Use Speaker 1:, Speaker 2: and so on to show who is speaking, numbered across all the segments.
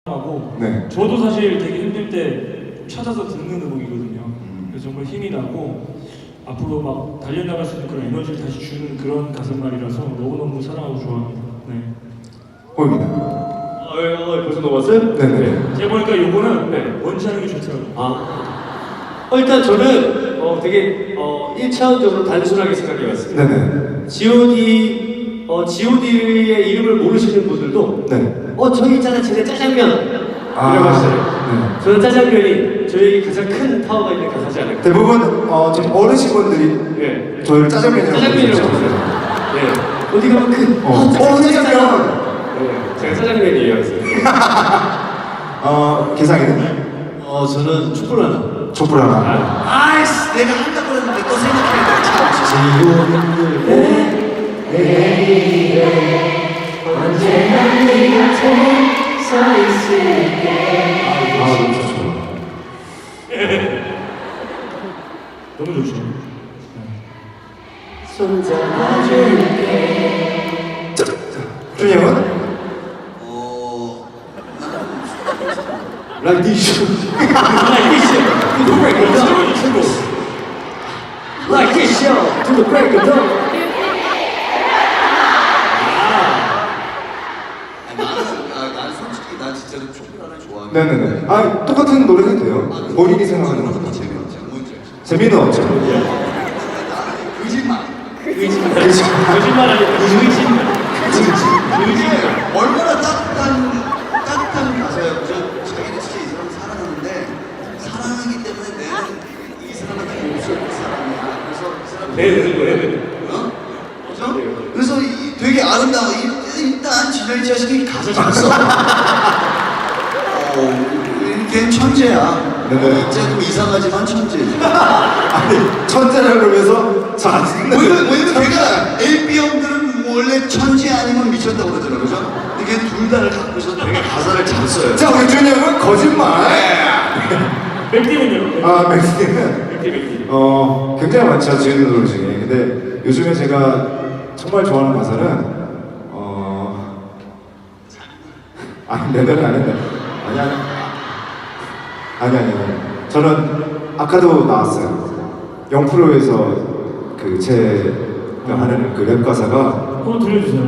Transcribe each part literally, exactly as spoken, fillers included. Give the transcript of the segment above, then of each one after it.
Speaker 1: 하고
Speaker 2: 네.
Speaker 1: 저도 사실 되게 힘들 때 찾아서 듣는 음악이거든요. 그래서 정말 힘이 나고 앞으로 막 달려나갈 수 있는 그런 에너지를 다시 주는 그런 가슴말이라서 너무너무 사랑하고 좋아합니다. 네.
Speaker 2: 호입니다.
Speaker 3: 어, 어, 벌써 넘었어요?
Speaker 2: 네네.
Speaker 1: 제가 보니까 요거는
Speaker 3: 네.
Speaker 1: 원치 않은 게 좋더라고요.
Speaker 3: 아, 어, 일단 저는 어, 되게 어, 일 차원적으로 단순하게 생각해봤습니다.
Speaker 2: 네네.
Speaker 3: 지오디, 어, 지오디의 이름을 모르시는 분들도
Speaker 2: 네.
Speaker 3: 어, 저기 있잖아, 쟤네 짜장면!
Speaker 2: 아,
Speaker 3: 이라고 하시잖아요.
Speaker 2: 네.
Speaker 3: 저는 짜장면이 저에게 가장 큰 파워가 있는 가사지 않을까.
Speaker 2: 대부분 어, 좀 어르신분들이
Speaker 3: 예.
Speaker 2: 저희를 짜장면이라고
Speaker 3: 짜장면이라고
Speaker 2: 부르죠.
Speaker 3: 하세요. 예. 어디 가면 그,
Speaker 2: 어,
Speaker 3: 어, 짜장면!
Speaker 2: 어, 짜장면!
Speaker 3: 네, 제가 짜장면이에요. 그래서.
Speaker 2: 어, 개상이는?
Speaker 4: 어 저는 촛불 하나.
Speaker 2: 촛불 하나.
Speaker 4: 아이씨 내가 한다고 했는데 또 생각해야 돼. 지옥은
Speaker 5: 언제나 네 곁에 서 있을게.
Speaker 2: 아, 너무 좋죠.
Speaker 1: 너무 좋죠.
Speaker 5: 손잡아줄게.
Speaker 2: 자, 자, 준이 형은?
Speaker 4: 어
Speaker 3: Like this. Like this. To the break of dawn. Like this, yo. To the break of dawn.
Speaker 4: 아니, 나는 아, 난 솔직히 난 진짜로 촛불 하나 좋아하는.
Speaker 2: 네네네. 아, 똑같은 노래 해도 돼요. 본인이 생각하는 거.
Speaker 4: 거 재미없지. 뭔지 알지?
Speaker 2: 재미는 없죠.
Speaker 4: 나는 거짓말.
Speaker 3: 거짓말. 거짓말 아니고 거짓말.
Speaker 4: 이게 얼마나 따뜻한 따뜻한 가사야. 그죠? 자기는 진짜 이 사람 사랑하는데 사랑하기 때문에 내는 이 사람한테 없을 사람이야. 그래서 이 사람
Speaker 3: 네, 네, 네.
Speaker 4: 어? 그죠? 그래서 이, 되게 아름다워. 이, 일단 진열이 자식이 가사 잘 써. 어, 걔 천재야.
Speaker 2: 네네.
Speaker 4: 조금 이상하지만 천재.
Speaker 2: 아니, 천재라 그러면서 잘 안
Speaker 4: 왜냐면
Speaker 2: 듣는.
Speaker 4: 왜냐면 걔가 에이 비 형들은 원래 천재 아니면 미쳤다고 그러잖아, 그죠? 근데 걔 둘 다를 갖고서 되게 가사를 잘 써요.
Speaker 2: 자, 우리 준이 형은 거짓말.
Speaker 1: 맥디는요?
Speaker 2: 아, 맥스는
Speaker 3: 맥디, 맥디.
Speaker 2: 어, 굉장히 많죠, 지은 노래 중에. 근데 요즘에 제가 정말 좋아하는 가사는 어, 아니, 내 노래 아닌데. 아니, 아니. 아니, 아니, 아니. 저는 아까도 나왔어요. 영프로에서 그 제가 하는 그 랩 가사가
Speaker 1: 한번 들려주세요.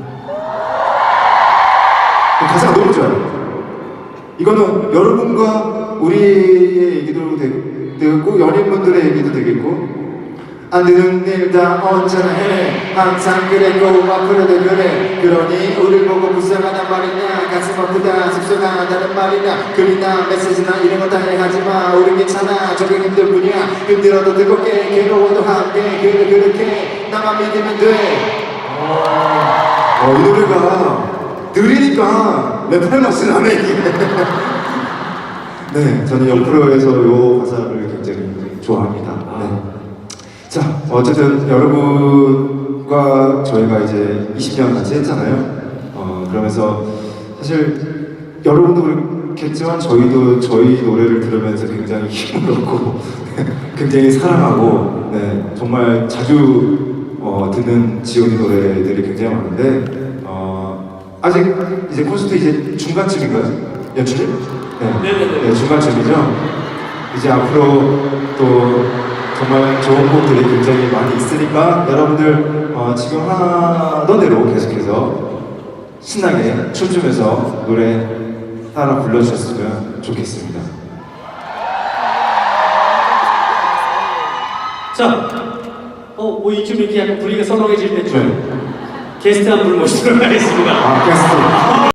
Speaker 2: 그 가사가 너무 좋아요. 이거는 여러분과 우리의 얘기도 되- 되겠고 연인분들의 얘기도 되겠고 안 되는 일 다 언제나 해 항상 그랬고 앞으로도 그래 그러니 우릴 보고 불쌍하단 말이냐 가슴 아프다 속상하다는 말이냐 글이나 메시지나 이런 거 다 하지마 우린 괜찮아 저게 힘들 뿐이야 힘들어도 뜨겁게 괴로워도 함께 그래 그렇게 나만 믿으면 돼. 어, 이 노래가 느리니까 랩할 맛이 나네 이게. 네, 저는 영프로에서 이 가사를 굉장히 좋아합니다. 네. 자, 어쨌든 여러분과 저희가 이제 이십 년 같이 했잖아요. 어, 그러면서 사실 여러분도 그렇겠지만 저희도 저희 노래를 들으면서 굉장히 힘을 얻고 굉장히 사랑하고 네, 정말 자주 어, 듣는 지오디 노래들이 굉장히 많은데 어, 아직 이제 콘서트 이제 중간쯤인가요? 연출이? 네.
Speaker 3: 네네네.
Speaker 2: 네, 중간쯤이죠. 이제 앞으로 또 정말 좋은 곡들이 굉장히 많이 있으니까 여러분들 어, 지금 하던 대로 계속해서 신나게 춤추면서 노래 따라 불러주셨으면 좋겠습니다.
Speaker 3: 자, 어, 뭐 이쯤 이렇게 약간 분위기가 선명해질 때쯤
Speaker 2: 네.
Speaker 3: 게스트 한 분 모시도록 하겠습니다.
Speaker 2: 아, 게스트.